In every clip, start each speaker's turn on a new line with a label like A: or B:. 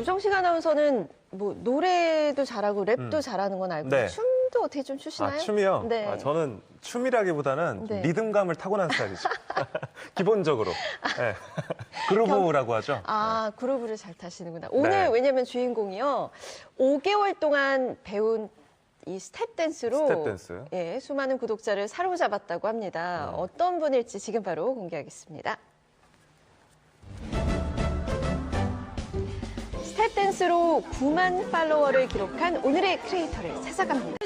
A: 조정식 아나운서는 뭐 노래도 잘하고 랩도 잘하는 건 알고
B: 네.
A: 춤도 어떻게 좀 추시나요?
B: 아, 춤이요?
A: 네.
B: 아, 저는 춤이라기보다는 좀
A: 네.
B: 리듬감을 타고난 스타일이죠. 기본적으로. 네. 그루브라고 하죠.
A: 아, 그루브를 잘 타시는구나. 오늘
B: 네.
A: 왜냐면 주인공이요. 5개월 동안 배운 이 스텝 댄스로
B: 스텝 댄스.
A: 예, 수많은 구독자를 사로잡았다고 합니다. 어떤 분일지 지금 바로 공개하겠습니다. 스텝 댄스로 9만 팔로워를 기록한 오늘의 크리에이터를 찾아갑니다.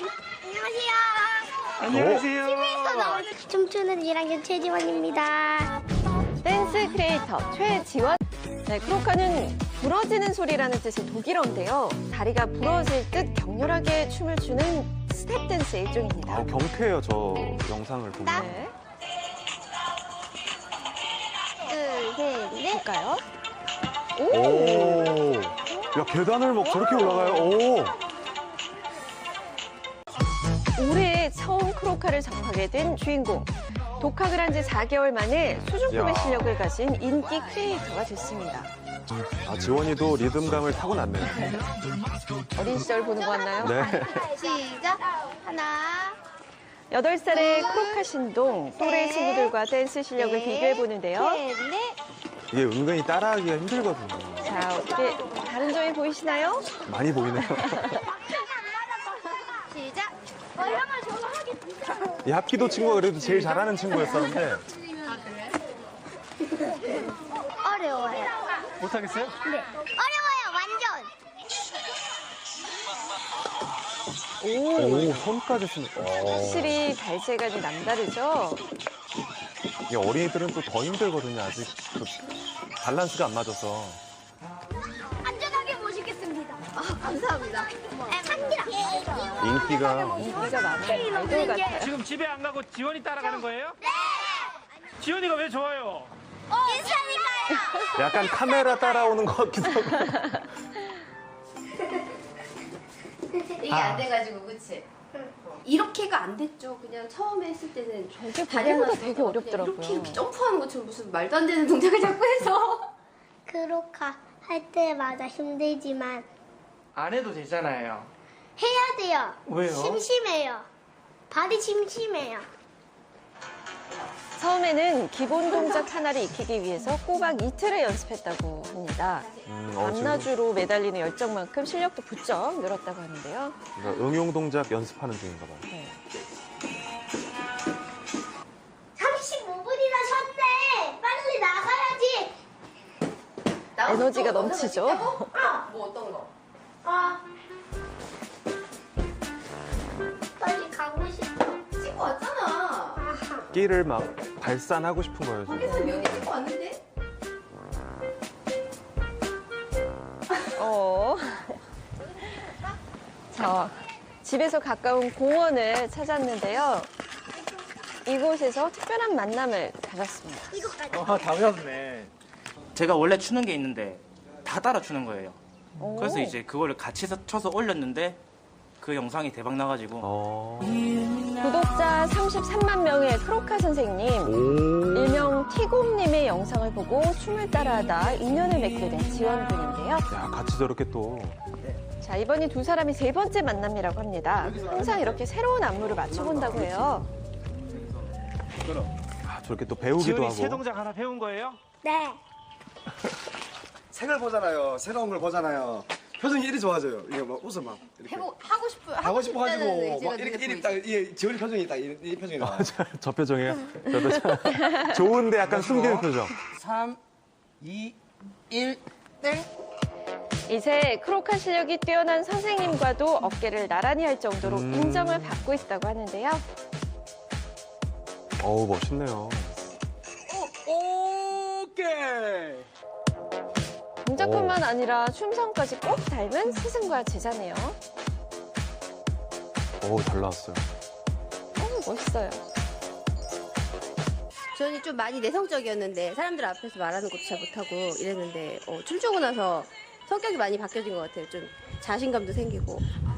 C: 안녕하세요.
D: TV에서 나오는 춤추는 1학년 최지원입니다.
A: 댄스 크리에이터 최지원. 네, 크로카는 부러지는 소리라는 뜻의 독일어인데요. 다리가 부러질 듯 격렬하게 춤을 추는 스텝 댄스의 일종입니다.
B: 아, 경쾌해요, 저 영상을 보면.
A: 네,
D: 둘, 셋, 넷.
A: 볼까요?
B: 오. 야, 계단을 막 저렇게 올라가요. 오.
A: 올해 처음 크로카를 접하게 된 주인공. 독학을 한 지 4개월 만에 수준급의
B: 야.
A: 실력을 가진 인기 크리에이터가 됐습니다.
B: 아, 지원이도 리듬감을 타고났네요.
A: 어린 시절 보는 거 같나요?
B: 네.
D: 시작. 하나.
A: 8살의 크로카 신동, 또래 친구들과 댄스 실력을 비교해보는데요.
D: 셋, 넷.
B: 이게 은근히 따라하기가 힘들거든요.
A: 자, 어떻게 다른 점이 보이시나요?
B: 많이 보이네요.
D: 시작. 형아 저거 하겠습니다.
B: 이 합기도 친구가 그래도 제일 잘하는 친구였었는데.
D: 어려워요.
C: 못하겠어요?
D: 네. 어려워요, 완전.
B: 오, 손까지 쓰는.
A: 확실히 발재간이 남다르죠?
B: 이게 어린이들은 또 더 힘들거든요. 아직 그 밸런스가 안 맞아서.
D: 안전하게 모시겠습니다. 감사합니다. 상기라.
B: 인기가.
A: 인기가 많은 아이돌 같아요.
C: 지금 집에 안 가고 지원이 따라가는 거예요? 네! 지원이가 왜 좋아요?
D: 인사니까요.
B: 약간 카메라 따라오는 것 같기도 하고.
E: 이게 안 돼가지고 그치? 이렇게가 안 됐죠. 그냥 처음에 했을 때는
A: 저게 보기보다 되게 어렵더라고요.
E: 이렇게 점프하는 것처럼 무슨 말도 안 되는 동작을 자꾸 해서
D: 크로카 할 때마다 힘들지만
C: 안 해도 되잖아요.
D: 해야 돼요.
C: 왜요?
D: 심심해요. 발이 심심해요.
A: 처음에는 기본 동작 하나를 익히기 위해서 꼬박 이틀을 연습했다고 합니다.
B: 지금
A: 밤낮으로 매달리는 열정만큼 실력도 부쩍 늘었다고 하는데요.
B: 그러니까 응용 동작 연습하는 중인가 봐요.
A: 네.
D: 35분이나 쉬었네. 빨리 나가야지.
A: 에너지가 넘치죠?
E: 뭐 어떤 거?
D: 아. 빨리 가고 싶어.
E: 찍고 왔잖아.
B: 끼를 막 발산하고 싶은 거예요, 지금.
E: 그래서 면이 찍고 왔는데?
A: 자, 집에서 가까운 공원을 찾았는데요. 이곳에서 특별한 만남을 가졌습니다.
C: 다 배웠네. 제가 원래 추는 게 있는데 다 따라 추는 거예요. 그래서 이제 그거를 같이 쳐서 올렸는데 그 영상이 대박 나가지고
A: 구독자 33만 명의 크로카 선생님, 일명 티곰님의 영상을 보고 춤을 따라하다 인연을 맺게 된 지원군인데요.
B: 야, 같이 저렇게 또.
A: 자, 이번이 두 사람이 세 번째 만남이라고 합니다. 항상 이렇게 새로운 안무를 맞춰본다고 해요.
B: 아, 저렇게 또 배우기도
C: 지원이
B: 하고.
C: 새 동작 하나 배운 거예요?
D: 네.
F: 새 걸 보잖아요. 새로운 걸 보잖아요. 표정이 이리 좋아져요. 이게 막 웃어 막 이렇게
E: 하고 싶어요.
F: 하고 싶어가지고
E: 싶다는
F: 막 이렇게 딱 이 지원이 표정이 딱 이 표정이 나와.
B: 저 표정이에요? 저 표정. 좋은데 약간 숨기는 표정.
C: 3, 2, 1.
A: 이제 크로카 실력이 뛰어난 선생님과도 어깨를 나란히 할 정도로 인정을 받고 있다고 하는데요.
B: 어우, 멋있네요.
C: 오케이.
A: 동작뿐만 아니라 춤성까지 꼭 닮은 스승과 제자네요.
B: 어우, 잘 나왔어요.
A: 멋있어요.
E: 저는 좀 많이 내성적이었는데 사람들 앞에서 말하는 것도 잘 못하고 이랬는데 춤추고 나서 성격이 많이 바뀌어진 것 같아요. 좀 자신감도 생기고.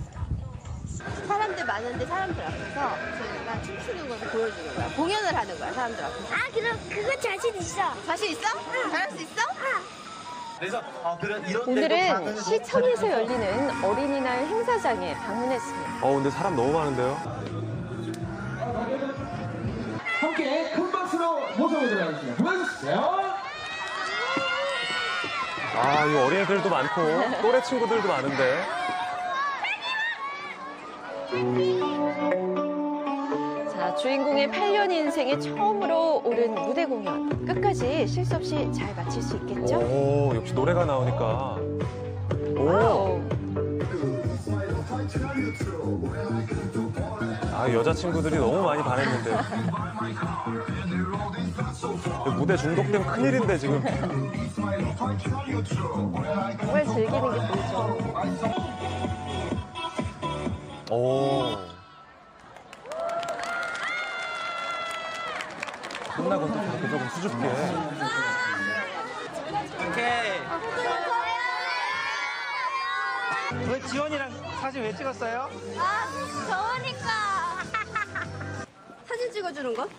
E: 사람들 많은데 사람들 앞에서 제가 춤추는 것을 보여주는 거야. 공연을 하는 거야, 사람들 앞에서.
D: 아, 그럼 그거 자신 있어.
E: 자신 있어? 잘할 수 있어?
A: 오늘은 시청에서 열리는 어린이날 행사장에 방문했습니다.
B: 근데 사람 너무 많은데요?
G: 함께 큰 박수로 모셔보도록 하겠습니다. 고맙습니다.
B: 이 어린이들도 많고, 또래 친구들도 많은데.
A: 자, 주인공의 8년 인생에 처음으로 오른 무대 공연. 끝까지 실수 없이 잘 마칠 수 있겠죠?
B: 오, 역시 노래가 나오니까. 오,
A: 와우.
B: 여자친구들이 너무 많이 반했는데. 무대 중독되면 큰일인데, 지금.
A: 정말 즐기는 게 보이죠.
B: 오. 끝나고 또 이렇게 조금 수줍게.
C: 오케이. 왜 지원이랑 사진 왜 찍었어요?
E: 사진 찍어주는 거?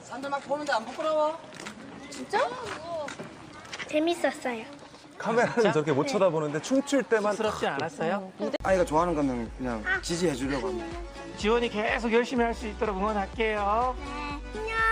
D: 재밌었어요.
B: 카메라는 저렇게 못 쳐다보는데 춤출 때만.
C: 스럽지 않았어요?
F: 아이가 좋아하는 거는 그냥 지지해 주려고 합니다.
C: 지원이 계속 열심히 할 수 있도록 응원할게요.
D: 안녕.